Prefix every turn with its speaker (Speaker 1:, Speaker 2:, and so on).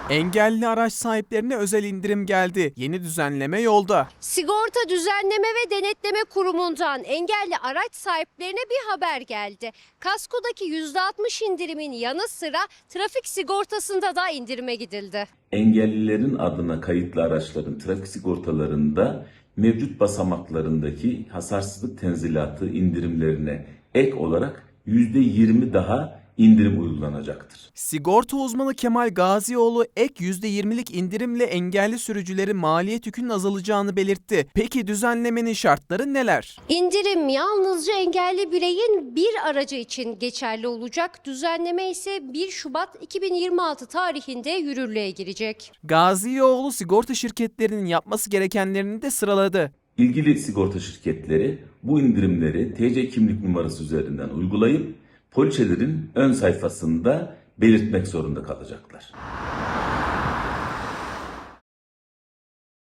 Speaker 1: Engelli araç sahiplerine özel indirim geldi. Yeni düzenleme yolda.
Speaker 2: Sigorta Düzenleme ve Denetleme Kurumu'ndan engelli araç sahiplerine bir haber geldi. Kaskodaki %60 indirimin yanı sıra trafik sigortasında da indirime gidildi.
Speaker 3: Engellilerin adına kayıtlı araçların trafik sigortalarında mevcut basamaklarındaki hasarsızlık tenzilatı indirimlerine ek olarak %20 daha indirim uygulanacaktır.
Speaker 1: Sigorta uzmanı Kemal Gazioğlu ek %20'lik indirimle engelli sürücülerin maliyet yükünün azalacağını belirtti. Peki düzenlemenin şartları neler?
Speaker 2: İndirim yalnızca engelli bireyin bir aracı için geçerli olacak. Düzenleme ise 1 Şubat 2026 tarihinde yürürlüğe girecek.
Speaker 1: Gazioğlu sigorta şirketlerinin yapması gerekenlerini de sıraladı.
Speaker 3: İlgili sigorta şirketleri bu indirimleri TC kimlik numarası üzerinden uygulayıp poliçelerin ön sayfasında belirtmek zorunda kalacaklar.